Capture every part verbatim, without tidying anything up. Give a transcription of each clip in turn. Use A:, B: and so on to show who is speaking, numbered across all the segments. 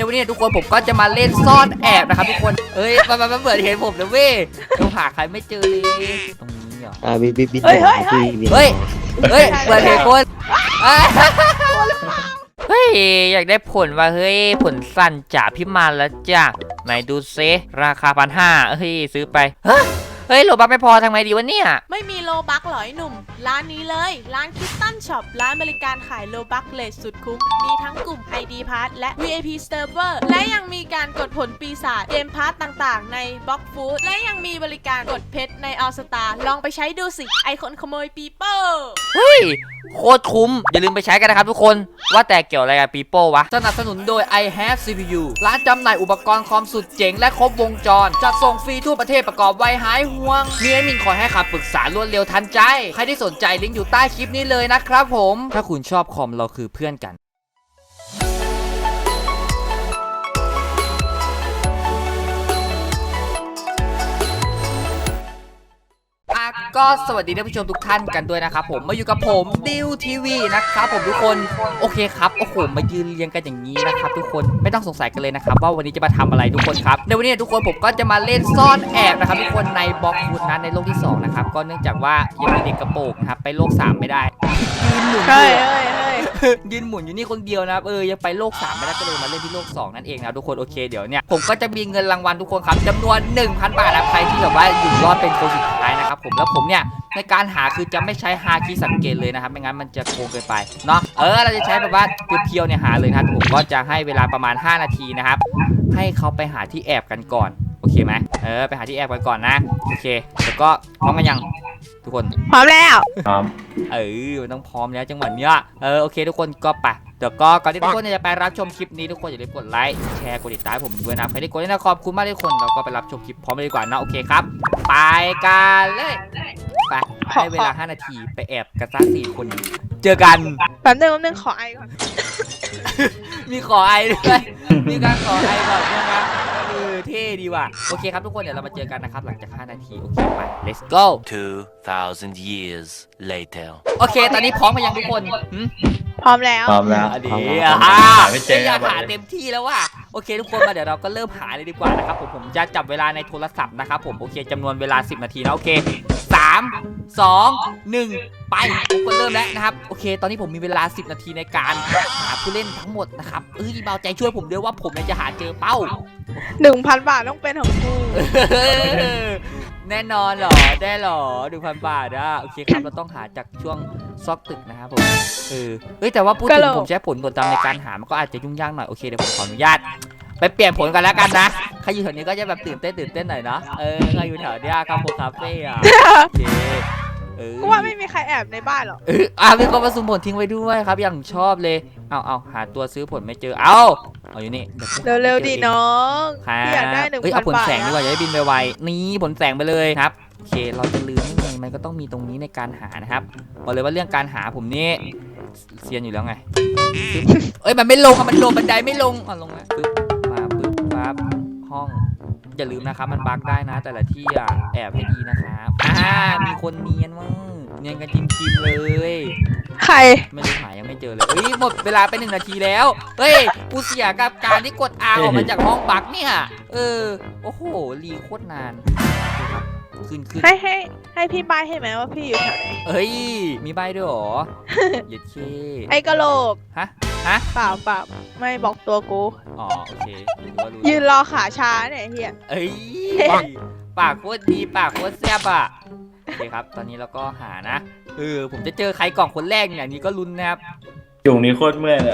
A: ในวันนี้ทุกคนผมก็จะมาเล่นซ่อนแอบนะครับทุกคนเอ้ยมันมันเปิดเห็นผมนะเว้ยเราหาใครไม่เจอเลยตรงนี้เหรอ
B: อ่าบิบิบิ
C: เฮ้ยเฮ้ยเฮ้ย
A: เฮ้ยเฮ้ยเปิดเห็นคนเฮ้ยอยากได้ผลว่าเฮ้ยผลสั้นจ่าพิมานแล้วจ้ะไหนดูเซราคาพันห้าเฮ้ยซื้อไปเฮ้ยโลบักไม่พอทำไงดีวะเนี่ย
C: ไม่มีโลบักหรอไอ้หนุ่มร้านนี้เลยร้านคิตตันช็อปร้านบริการขายโลบักเลสสุดคุ้มมีทั้งกลุ่ม ไอ ดี Pass และ วี ไอ พี Server และยังมีการกดผลปีศาจเกมพาร์ตต่างๆในบล็อกฟู้ดและยังมีบริการกดเพชรในออลสตาร์ลองไปใช้ดูสิไอคนขโมยปีโป้
A: เฮ้ยโคตรคุ้มอย่าลืมไปใช้กันนะครับทุกคนว่าแต่เกี่ยวอะไรกับปีโป้วะสนับสนุนโดย I have ซี พี ยู ร้านจำหน่ายอุปกรณ์คอมสุดเจ๋งและครบวงจรจัดส่งฟรีทั่วประเทศประกอบไวหายห่วงมีแอดมินคอยให้คำปรึกษารวดเร็วทันใจใครที่สนใจลิงก์อยู่ใต้คลิปนี้เลยนะครับผมถ้าคุณชอบคอมเราคือเพื่อนกันก็สวัสดีท่านผู้ชมทุกท่านกันด้วยนะครับผมมาอยู่กับผมดิวทีวีนะครับผมทุกคนโอเคครับโอ้โหมายืนเรียงกันอย่างนี้นะครับทุกคนไม่ต้องสงสัยกันเลยนะครับว่าวันนี้จะมาทำอะไรทุกคนครับในวันนี้ทุกคนผมก็จะมาเล่นซ่อนแอบนะครับทุกคนในบล็อกฟูดนั้นในโลกที่สองนะครับก็เนื่องจากว่ายังมีเด็กกระโปงนะครับไปโลกสามไม่ได้ยืนหมุนยืนหมุนอยู่นี่คนเดียวนะครับเออยังไปโลกสามไม่ได้ก็เลยมาเล่นที่โลกสองนั่นเองนะทุกคนโอเคเดี๋ยวเนี่ยผมก็จะมีเงินรางวัลทุกคนครับจำนวน หนึ่งพัน บาทนะใครที่แบบว่าอยู่รอดเป็นคนสุดท้ายนะครับผมแล้วผมเนี่ยในการหาคือจะไม่ใช้ฮาคีสังเกตเลยนะครับไม่งั้นมันจะโกงเกินไปเนาะเออเราจะใช้แบบว่าเพียวๆเนี่ยหาเลยนะครับผมก็จะให้เวลาประมาณห้านาทีนะครับให้เขาไปหาที่แอบกันก่อนโอเคไหมเออไปหาที่แอบกันก่อนนะโอเคแล้วก็พร้อมกันยังทุกคน
C: พร้อมแล้ว
A: พร้อมเออมันต้องพร้อมแล้วจังหวะเนี้ยเออโอเคทุกคนก็ไปเดี๋ยวก็ก่อนที่ทุกคนจะไปรับชมคลิปนี้ทุกคนอย่าลืมกดไลค์แชร์กดติดตามผมด้วยนะใครที่กดนี่นะขอบคุณมากทุกคนเราก็ไปรับชมคลิปพร้อมเลยดีกว่านะโอเคครับไปกันเลยไปให้เวลาห้านาทีไปแอบกันสักสี่คนเจอกัน
C: แป๊บนึงแป๊บนึงขอไอก่อน
A: มีขอไอด้วยมีการขอไอก่อนด้วยนะเออเท่ดีว่ะโอเคครับทุกคนเดี๋ยวเรามาเจอกันนะครับหลังจากห้านาทีโอเคไป let's go
D: two thousand years later
A: โอเคตอนนี้พร้อมกันยังทุกคน
C: พร้อมแล้ว
B: พร้อมแล้ว
A: ดีอ่ะไม่เจออยากหาเต็มที่แล้วว่ะโอเคทุกคนมาเดี๋ยวเราก็เริ่มหาเลยดีกว่านะครับผมผมจะจับเวลาในโทรศัพท์นะครับผมโอเคจำนวนเวลาสิบนาทีนะโอเคสามสองหนึ่งไปผมก็เริ่มแล้วนะครับโอเคตอนนี้ผมมีเวลาสิบนาทีในการหาผู้เล่นทั้งหมดนะครับเอ้ยเบาใจช่วยผมด้วยว่าผมจะหาเจอเป้า
C: หนึ่งพัน บาทต้องเป็นของกู
A: แน่นอนหรอได้หรอหนึ่งพัน บาทอ่ะโอเคครับเราต้องหาจากช่วงซอกตึกนะครับผมเออเฮ้ยแต่ว่าพูดถึงผมใช้ผลกดดันในการหามันก็อาจจะยุ่งยากหน่อยโอเคเดี๋ยวผมขออนุญาตไปเปลี่ยนผลกันแล้วกันนะใครอยู่แถวนี้ก็จะแบบตื่นเต้นตื่นเต้นหน่อยเนาะเออใครอยู่แถวนี้ครับโมคาเฟ่อะโอเค
C: เออว่าไม่มีใครแอบในบ้านหรอก
A: เอออ่ะมีคนมาสุ่มผลทิ้งไว้ด้วยครับอย่างชอบเลยเอาเอาหาตัวซื้อผลไม่เจอเอาเอาอยู่นี่
C: เร็วๆดิน้อง
A: อยากได้หนึ่งพันบาทเอ้ยเอาผลแสงดีกว่าจะได้บินไวๆนี่ผลแสงไปเลยครับโอเคเราจะลืมไม่ไงมันก็ต้องมีตรงนี้ในการหานะครับบอกเลยว่าเรื่องการหาผมนี่เซียนอยู่แล้วไงเอ้ยมันไม่ลงมันลงบันไดไม่ลงอ่ะลงแล้วปึ๊บมาปึ๊บปั๊บห้องอย่าลืมนะครับมันบั๊กได้นะแต่ละที่อ่ะแอบให้ดีนะครับอ่ามีคนเนียนมั้งเนียนกันจิ้มจิ้มเลย
C: ใคร
A: ไม่รู้หายังไม่เจอเลยเฮ้ยหมดเวลาไปหนึ่งนาทีแล้วเฮ้ยกูเสียกับการที่กด อาร์ ออกมาจากห้องบั๊กเนี่ยเออโอ้โหรีโคตรนานขึ้นขึ้น
C: ให้ให้ให้พี่ใบให้ไหมว่าพี่อยู่แถวไหน
A: เฮ้ยมีใบด้วยหรอเย็ดเค
C: ไอกะโหลก
A: ฮะฮะ
C: เปล่าเปล่าไม่บอกตัวกู
A: อ๋อโอเค
C: ยืนรอขาช้าเนี่ยเฮีย
A: เอ้ยปากโคตรดีปากโคตรแซ่บอ่ะโอเคครับตอนนี้เราก็หานะเออผมจะเจอใครกล่องคนแรกอย่างนี้ก็ลุ้นนะครับ
B: จุ่งนี้โคตรเมื่อยเลย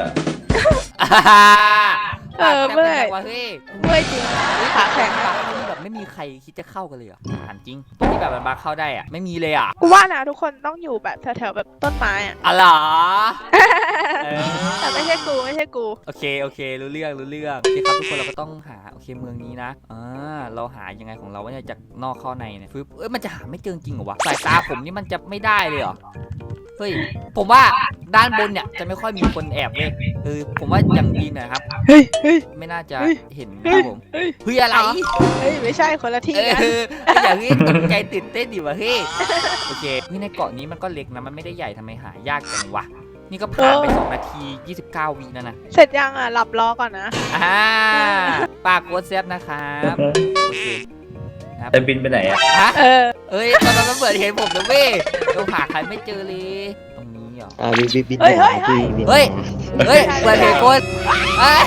C: เออเมื่อย
A: ว่ะเฮ้ย
C: เมื่อยจริงขาแข็ง
A: แบบไม่มีใครคิดจะเข้ากันเลยอ่ะถามจริงที่แบบมันบาเข้าได้อ่ะไม่มีเลยอ่ะ
C: กูว่านะทุกคนต้องอยู่แบบแถวๆแบบต้นไม้อ่ะ
A: อ๋อเหรอ
C: แต่ไม่ใช่กูไม่ใช่กู
A: โอเคโอเครู้เรื่องรู้เรื่องโอเคครับทุกคนเราก็ต้องหาโอเคเมืองนี้นะอ่าเราหายังไงของเราว่าเนี่ยจากนอกเข้าในเนี่ยฟึบเอ้ยมันจะหาไม่เจอจริงเหรอวะสายตาผมนี่มันจะไม่ได้เลยเหรอเฮ้ยผมว่าด้านบนเนี่ยจะไม่ค่อยมีคนแอบเลยเออผมว่าอย่างดีนะครับ
C: เฮ้ยเฮ้ย
A: ไม่น่าจะเห็นครับผมเฮ้ยอะไร
C: เฮ้ยไม่ใช่คนละที่กัน
A: อย่างนี้ตกใจตื่นเต้นดิวะเฮ้ยโอเคเฮ้ยในเกาะนี้มันก็เล็กนะมันไม่ได้ใหญ่ทำไมหายากจังวะนี่ก็ผ่านไปสองนาทียี่สิบเก้าวิแล้วนะ
C: เสร็จยังอ่ะหลับรอก่อนนะ
A: อ่าปากโคตรแซ่บนะครับโอเคครับ
B: จะบินไปไหนอ่ะ
A: ฮะ
C: เออ
A: เอ้ยตอนนั้นมันเปิดเห็นผมนะเว้ยเราหาใครไม่เจอเลยตรงนี้เหรอ
E: อ่าบินบินบิน
C: เฮ้ยเฮ้ยเฮ้ย
E: บิน
A: เฮ้ย เฮ้ยเปิดเห็นคนเอ้ย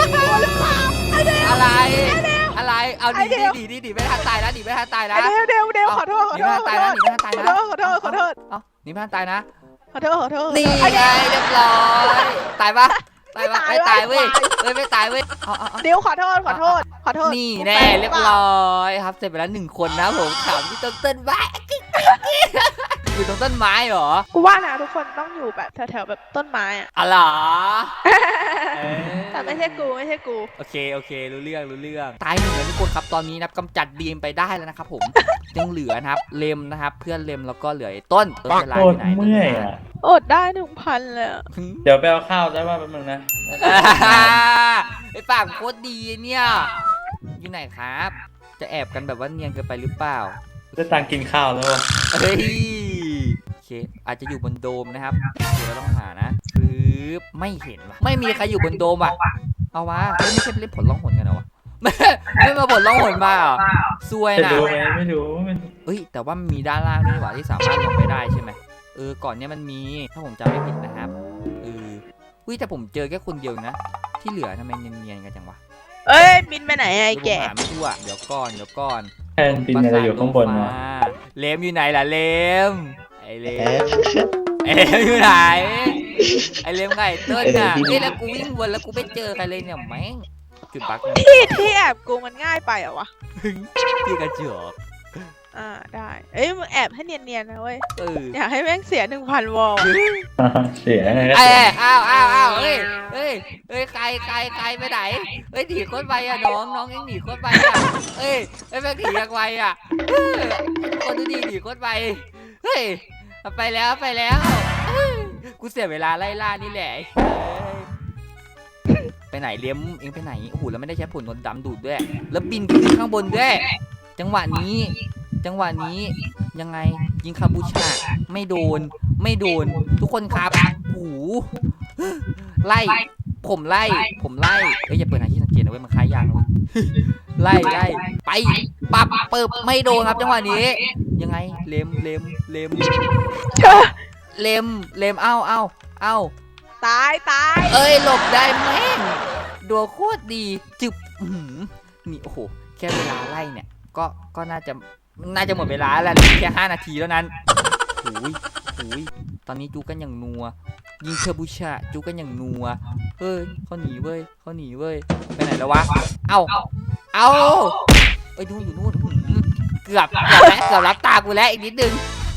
A: อะไรอะไรเอาดีดีดีดีดีไม่ทันตายนะดีไม่ทันตายนะ
C: เดี๋ยวเดี๋ยวเดี๋ยวขอโทษขอ
A: หนี
C: โท
A: ไม่
C: ษ
A: ทัน
C: ขอ
A: ตาย
C: โท
A: นะ
C: ษ
A: หนีไม่ทันตายนะ
C: ขอโทษขอโทษขอโทษ
A: เอ้าหนีไม่ทันตายนะ
C: ขอโทษขอโทษ
A: นี่ไงเรียบร้อยตายปะตายปะไม่ตายเว้ยเฮ้ยไม่ตายเว้ยเอาเอาเอา
C: เดี๋ยวขอโทษขอโทษขอโทษ
A: นี่แน่เรียบร้อยครับเสร็จไปแล้วหนึ่งคนนะผมขำที่ต้นต้นไม้อยู่ตรงต้นไม้เหรอ
C: กูว่านะทุกคนต้องอยู่แบบแถวๆแบบต้นไม้อะ
A: อะไรอเออ
C: แต่ไม่ใช่กูไม่ใช่กู
A: โอเคโอเครู้เรื่องรู้เรื่องตายหนึ่งแล้วทุกคนครับตอนนี้นะครับกำจัดดีมไปได้แล้วนะครับผมยังเหลือนะครับเลมนะครับเพื่อนเลมแล้วก็เหลือไอ้ต้นต้นเวลา
B: โค
A: อ
B: ต
A: ยู่
B: ร
A: ไหน
B: เมื่อยอ่ะ
C: อดได้หนึ่งพันเลยอะ
B: เดี๋ยวไปเอาข้าวได้ป่ะแป๊บนึงนะ
A: ไอ้ปากโคตรดีเนี่ยอยู่ไหนครับ จะแอบกันแบบว่าเนียนเกินไปหรือเปล่า
B: ได้ตังค์กินข้าวแล้ววะ
A: เฮ้ยโอเคอาจจะอยู่บนโดมนะครับเดี๋ยวเราต้องหานะคือไม่เห็นว่ะไม่มีใครอยู่บนโดมอ่ะเอาวะเอ้ยไม่ใช่เล่นผลล่องหนกันเหรอวะไม่ไม่มาผลล่องหนมาเหรอซวย
B: จะ
A: นะ
B: ดูไหมไม่รู้ไม่รู้
A: เอ้ยแต่ว่ามันมีด้านล่างด้วยนี่หว่าที่สามารถลงไปได้ใช่ไหมเออก่อนเนี้ยมันมีถ้าผมจำไม่ผิดนะครับเอออุ้ยแต่ผมเจอแค่คนเดียวนะ ที่เหลือทำไมเนียนๆกันจังวะ
C: เอ้ยบินไปไหนอะไอ้
A: ดูผม
C: แก่
A: หาไม่ทั่วเดี๋ยวก่อนเดี๋ยวก่อน
B: แทนบินอะไรอยู่ข้างบนวะ
A: เลมอยู่ไหนล่ะเลมไอเล
E: เอ๊ะ
A: มไอเลมอยู่ไหนไอเลมไงเติ้ลน่ะเฮ้ยแล้วกูวิ่งวนแล้วกูไม่เจอใครเลยเนี่ยแม่งจุดบั๊กนะ
C: ที่ที่แอบกูมันง่ายไปเหรอวะ
A: พี่กระจอก
C: อ่าได้เอ้ยมึงแอบให้เนียนๆนะเว้ย
A: เออ
C: อยากให้แม่งเสียหนึ่งพันวอล
B: เสียไงก็
A: ไอ้
B: เสีย
A: อ้าวอ้าวอ้าวเฮ้ยเฮ้ยเฮ้ยใครใครใครไปไหนเฮ้ยหนีโคตรไปอ่ะน้องน้องเอ็งหนีโคตรไปอ่ะเฮ้ยเฮ้ยแม่งหนียังไวอ่ะเออคนดูดีหนีโคตรไปเฮ้ยไปแล้วไปแล้วเฮ้ยกูเสียเวลาไล่ล่านี่แหละเฮ้ยไปไหนเลี้ยมเอ็งไปไหนโอ้โหแล้วไม่ได้ใช้ผลนวดดำดูดด้วยแล้วบินขึ้นข้างบนด้วยจังหวะนี้ จังหวะนี้ยังไงยิงคาบูชาไม่โดนไม่โดนทุกคนครับโอ้โหไล่ผมไล่ผมไล่เอ้ยอย่าเปิดหาที่สังเกตนะเว้ยมันคล้ายยางนะเว้ยไล่ไล่ไปปับเปิบไม่โดนครับจังหวะนี้ ยังไงเล็มเล็มเล็มเล็มเล็มเอ้าเอ้าเอ้า
C: ตายตาย
A: เอ้ยหลบได้แม่งดัวโคตรดีจึบอื้อหือนี่โอ้โหแค่เวลาไล่เนี่ยก็ก็น่าจะน่าจะหมดเวลาแล้วแค่ห้านาทีแล้วนั้นโอ้ยโอ้ยตอนนี้จูกันอย่างนัวยิงเทอร์บูชาจูกันอย่างนัวเฮ้ยเขาหนีเว้ยเขาหนีเว้ยไปไหนแล้ววะเอ้าเอ้าเอ้ยดูอยู่นู่นอื้อหือเกือบเกือบแล้วเกือบรับตากูแล้วอีกนิดนึง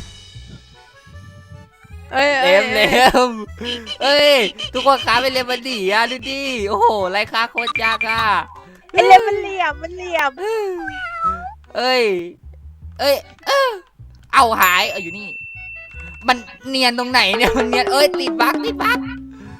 C: เอ้ย
A: เล็มเล็มเอ้ยทุกคนขาไปเล็มมันดีอ่ะดูดิโอ้โหไรค่าโคตรยากอ่ะ
C: ไอ้เล่มมันเหลี่ยมมันเหลี่ยม
A: เอ้ยเอ้ยเอ้อเอาหายเอาอยู่นี่ มันเนียนตรงไหนเนี่ยมันเนียนเอ้ยติดบั๊กติดบั๊ก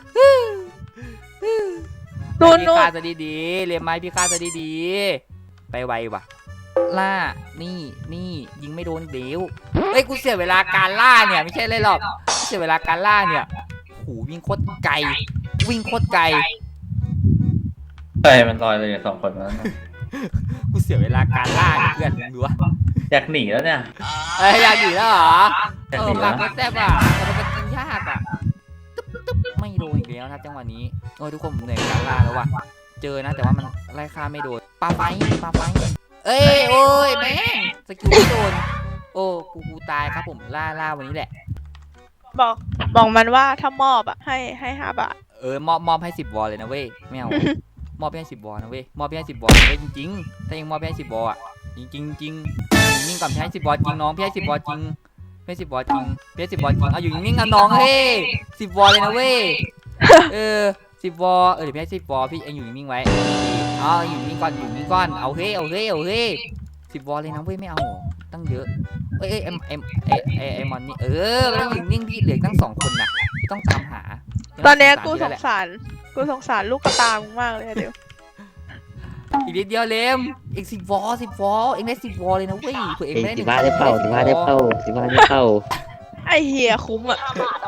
C: นู่น
A: พี่
C: นู่น
A: คาซะดีๆเรียมไม้พี่คาซะดีๆไปไวว่ะล่านี่นี่ยิงไม่โดนเดี๋ยวเอ้ยกูเสียเวลาการล่าเนี่ยไม่ใช่เลยหรอกเสียเวลาการล่าเนี่ยโหวิ่งโคตรไกลวิ่งโคตรไกล
B: ใช่มันลอยเลยสองคนนั้น
A: กูเสียเวลาการล่าเนี่ยเพื่อนมึงดูวะ
B: อยากหนีแล้วเนี่ย
A: เอ้ยอยากหนีแล้วเหรอ
B: อยาก
A: เอ
B: หนี
A: อ
B: แล้
A: มาว ก็แซ่บอ่ะแต่มันเป็นยากอ่ะตึ๊บตึ๊บไม่โดนอีกแล้วนะครับจังหวะนี้โอ้ยทุกคนผมเหนื่อยกับการล่าแล้วว่ะเจอนะแต่ว่ามันไล่ฆ่าไม่โดนปาไฟปาไฟเอ้ยโอ้ยแม่งสกิลไม่โดนโอ้กูกูตายครับผมล่าล่าวันนี้แหละ
C: บอกบอกมันว่าถ้ามอบอะให้ให้ห้าบาท
A: เออมอบมอบให้สิบวอลเลยนะเว้ยไม่เอา มอบให้สิบวอลนะเว้ยมอบให้สิบวอลเลยจริงๆถ้ายังมอบให้สิบวอลอ่ะจริงจริงจริงนิ่งก่อนพี่ให้สิบวอลจริงน้องพี่ให้สิบวอลจริงพี่ให้สิบวอลจริงพี่ให้สิบวอลจริงเอาอยู่นิ่งๆกันน้องเฮ้ยสิบวอลเลยนะเว้ยเออสิบวอลเออเดี๋ยวพี่ให้สิบวอลพี่เองอยู่นิ่งๆไว้เอาอยู่นิ่งก่อนอยู่นิ่งก่อนเอาเฮ้ยเอาเฮ้ยเอาเฮ้ยสิบวอลเลยนะเว้ยไม่เอาตั้งเยอะเอ้ยเอ้ยเอ็มเอ็มเอ้ยเอ้ยไอมอนนี่เออไม่ต้องอยู่นิ่งพี่เหลือตั้งสองคนนะพี่ต้องตามหา
C: ตอนเนี้ยกูส
A: แล้ว
C: ง
A: แหละ
C: สารกูสงสารลูกกระตามึงมากเลยอะเดี๋ยว
A: อีกนิดเดียวเลมอีกสิบวอลสิบวอลเองได้สิบวอลเลยนะเว้ยเผื่อเอง
E: เอ้ย
A: ไม่ได้ห
E: สิ
A: นึ่ง
E: บ้าได้เปล่าสิบ้าได้เปล่าสิบ้าได้เปล่า
C: ไอเฮียคุ้มอะ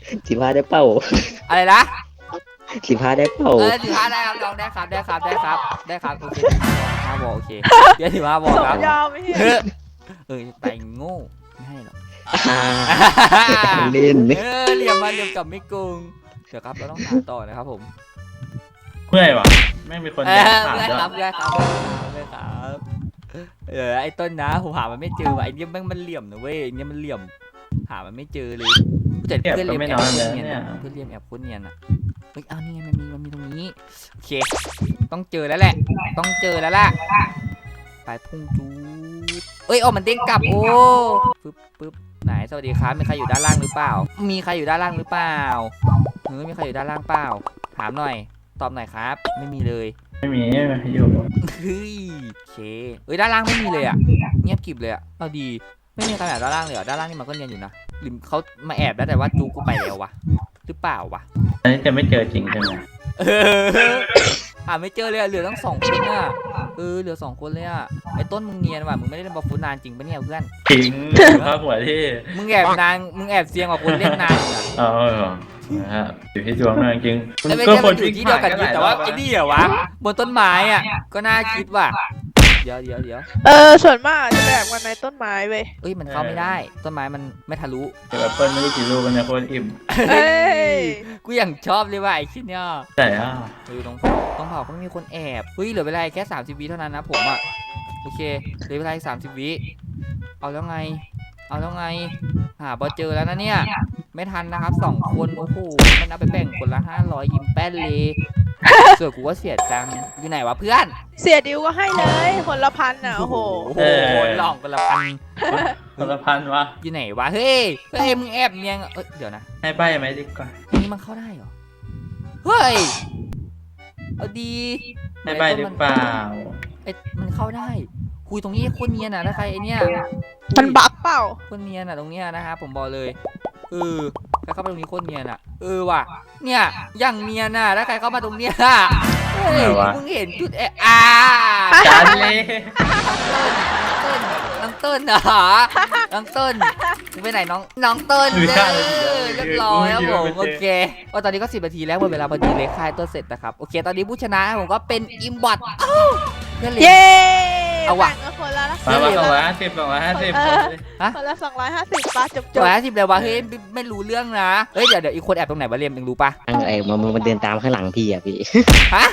E: สิบห้าได้เป้า
A: อะไรนะ
E: สิบห้าได้เป้า
A: เออถือว่าได้ครับน้องได้ครับได้ครับได้ครับได้ครับโอเคห้าบอลโอเคเดี๋ยวถือว่าบอล
C: ส
A: ค
C: ม
A: รับ
C: ยอมไม่ใช่
A: เออเออไปโง่ไม่ให้หรอก
E: อ่าเล่น
A: เออเหลี่ยมมาเหลี่ยมกลับไม่โกงเดี๋ยวครับเราต้องหาต่อนะครับผม
B: เมื่อยวะไม่มีคน
A: เอ
B: เดิน
A: อ
B: ผ่าน
A: ได้
B: ด้วย
A: ครับได้ครับได้ครับเออไอ้ต้นนะผมหามันไม่เจอว่ะไอ้เนี่ยมันมันเหลี่ยมนะเว้ยไอ้เนี่ยมันเหลี่ยมหามันไม่เจอเลยแต่
B: เก็บ
A: เพื่อน
B: ก็
A: เรียม
B: ไม่
A: แอ
B: น้
A: บ
B: อย
A: โค
B: เล
A: ตร
B: ย
A: เนียน
B: เนี่ย
A: อะเพื่อนเรียมแอบโคตรเนียนอะเฮ้ยเอานี่ไงมันมีมันมีตรงนี้โอเคต้องเจอแล้วแหละ ต้องเจอแล้วล่ะไปพุ่งจูดเอ้ยโอ้มันเด้งกลับโอ้ปึ๊บปึ๊บไหนสวัสดีครับมีใครอยู่ด้านล่างหรือเปล่า มีใครอยู่ด้านล่างหรือเปล่าเฮ้ยมีใครอยู่ด้านล่างเปล่าถามหน่อยตอบหน่อยครับไม่มีเลย
B: ไม่มีไม่มีอยู่
A: เฮ้ยโอเคเอ้ยด้านล่างไม่มีเลยอ่ะเงียบกริบเลยอ่ะเอาดีไม่มีใครแอบด้านล่างเลยเหรอด้านล่างนี่มันก็เนียนอยู่นะหรือเขามาแอบได้แต่ว่าจูกูไปแล้ววะหรือเปล่าวะ
B: อันนี้จะไม่เจอจริงใช่ไหม
A: เออหาไม่เจอเลยอะเหลือตั้งสองคนอ่ะเออเหลือสองคนเลยอ่ะไอ้ต้นมึงเนียนว่ะมึงไม่ได้เล่นบอลฟุตนานจริงปะเนี่ยเพื่อน
B: จริงข้าหัวที่
A: มึงแอบนานมึงแอบเซียงกว่าคนเล่นนานอีกอะ
B: เออนะฮะอยู่ที่ดวงนะจริง
A: แต่ไม่ใช่มันอยู่ที่เดียวกันอยู่แต่ว่าไอ้นี่เหรอวะบนต้นไม้อ่ะก็น่าคิดว่ะเดี๋ยวเดี๋ยวเดี๋ยว
C: เออส่วนมากจะแบบวันในต้นไม้เว้ย
A: เอ้ยมันเข้าไม่ได้ต้นไม้มันไม่ทะลุ
B: เดี๋ยวแอปเปิ้ลไม่รู้กี่ลูกกันเนี่ยโคตรอิ่ม
C: เฮ้ย
A: กูอย่างชอบเลยว่ะไอ้ชิ้นเนี่ย
B: แต่อ่ะ
A: เฮ้ยต้องต้องเผาก็ไม่มีคนแอบเฮ้ยเหลือเวลาแค่สามสิบวิเท่านั้นนะผมอ่ะโอเคเหลือเวลาสามสิบวิเอาแล้วไง เอาแล้วไงหาบอเจอแล้วนะเนี่ยไม่ทันนะครับสองคนโอ้โหมันเอาไปแบ่งคนละห้าร้อยยิ้มแป้นเลยส่วนกูว่าเสียจังอยู่ไหนวะเพื่อน
C: เสียดิวก็ให้เลยคนละพันอ่ะโอ้โห
A: โอ้โหหลอกกันละพัน
B: คนละพันวะ
A: อยู่ไหนวะเฮ้ยเฮ้ยมึงแอบเนียงเอ้ยเดี๋ยวนะ
B: ให้ใบไหมดีกว่า
A: อันนี้มันเข้าได้เหรอเฮ้ยเอาดี
B: ให้ใบหรือเปล่า
A: ไอ้มันเข้าได้คุยตรงนี้โคนเนียนอ่ะถ้าใครไอเนี้ย
C: มันบักเปล่า
A: โคนเนียนอ่ะตรงเนี้ยนะครับผมบอกเลยเออใครเข้ามาตรงนี้โคนเนียนอ่ะเออว่ะเนี่ยอย่างเนียนอ่ะถ้าใครเข้ามาตรงเนี้ยเฮ้ยมึงเห็นจุดเอะอ่า
B: จานเลย
A: น้องเต้นเหรอน้องเต้นมึงไปไหนน้องน้องเต้นเด้อเรียบร้อยครับผมโอเคว่าตอนนี้ก็สิบนาทีแล้วหมดเวลาพอดีเลยค่ายต้นเสร็จนะครับโอเคตอนนี้ผู้ชนะผมก็เป็นอิมบอทเพื่อนเล่น
C: เย้
A: เอาว่ะ
C: แบ่งกันคนละละ
B: มามาสองร้อยห้าสิบสองร้อยห้าสิบ
C: คนละสองร้อยห้าสิบปะจบจ
A: จ
C: บบ
A: แล้วสิบเลยวะเฮ้ยไม่ไม่รู้เรื่องนะเฮ้ยเดี๋ยวเดี๋ยวอีกคนแอบตรงไหนวะเรียมยังรู้ปะ
E: ไอ้มันมันเดินตามข้างหลังพี่อ่ะพี่
A: ฮะ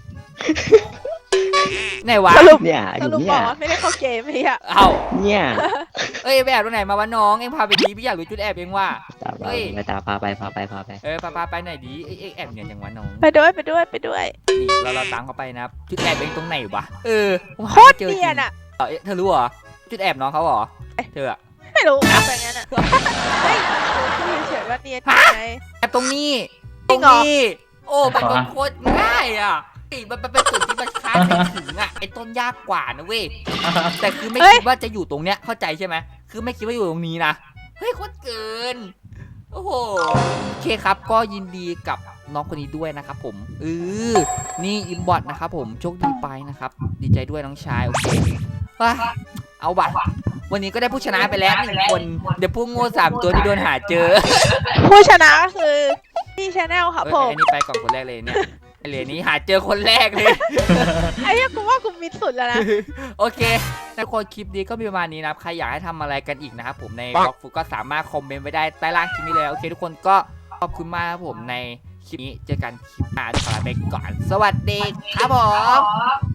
A: ไหนวะ
C: สรุป
E: เนี่ยอ
C: ส
E: ยู่
C: รุป
E: เนี่
C: บ
E: ย
C: อกว่าไม่ได้เข้าเกมไอ้เหี้ย
A: เอ้า
E: เนี่ย
A: เอ้ยไปแอบตรงไหนมาวะน้องเอ็งพาไปดีพี่อยากรู้จุดแอบเองว่า
E: ตาม
A: เฮ้ย
E: ไปตามพาไปพาไปพาไป
A: เออพาพาไปไหนดีเอ้ยเอ้ยแอบเนี่ยอย่างวะน้อง
C: ไปด้วยไปด้วยไปด้วย
A: นี่เราเราตามเขาไปนะครับจุดแอบเองตรงไหนวะเออผม
C: โค
A: หา
C: ตร
A: ไม่จอจ
C: เนี
A: ริ
C: ย
A: ง
C: นอ่ะ
A: เออเอ๊ะเธอรู้เหรอจุดแอบน้องเขาเหรอเธออะ
C: ไม่รู้แต่งั้นอ่ะเฮ้ยดูที่เฉยๆว่าเนียนยังไง
A: แอบตรงนี้
C: จ
A: ต
C: ริ
A: รง
C: งเหรอ
A: นี้โอ้มันเป็นโคตรง่ายอ่ะเฮ้ยมันมันเป็นจุดที่มันคาดไม่ถึงอ่ะไอ้ต้นยากกว่านะเว้ยแต่คือไม่คิดว่าจะอยู่ตรงเนี้ยเข้าใจใช่ไหมคือไม่คิดว่าอยู่ตรงนี้นะเฮ้ยโคตรเกินโอ้โหโอเคครับก็ยินดีกับน้องคนนี้ด้วยนะครับผมเออนี่อิมบอทนะครับผมโชคดีไปนะครับดีใจด้วยน้องชายโอเคว้าเอาบัตรวันนี้ก็ได้ผู้ชนะไปแล้วหนึ่งคนเดี๋ยวพวกโง่สามตัวที่โดนหาเจอ
C: ผู้ชนะก็คือพี่ชาแนลครับ
A: เอ้ย
C: ผม
A: ไอ้นี่ไปก่อนคนแรกเลยเนี่ยไอเหรียญนี้หาเจอคนแรกเลย
C: ไอ้เหี้ยกูว่ากูมิดสุดแล้วนะ
A: โอเคทุกคนคลิปนี้ก็มีประมาณนี้นะครับใครอยากให้ทำอะไรกันอีกนะครับผมในบล็อกฟุกก็สามารถคอมเมนต์ไว้ได้ใต้ล่างคลิปนี้เลยโอเคทุกคนก็ขอบคุณมากครับผมในคลิปนี้เจอกันคลิปหน้าขอลาไปก่อนสวัสดีครับผม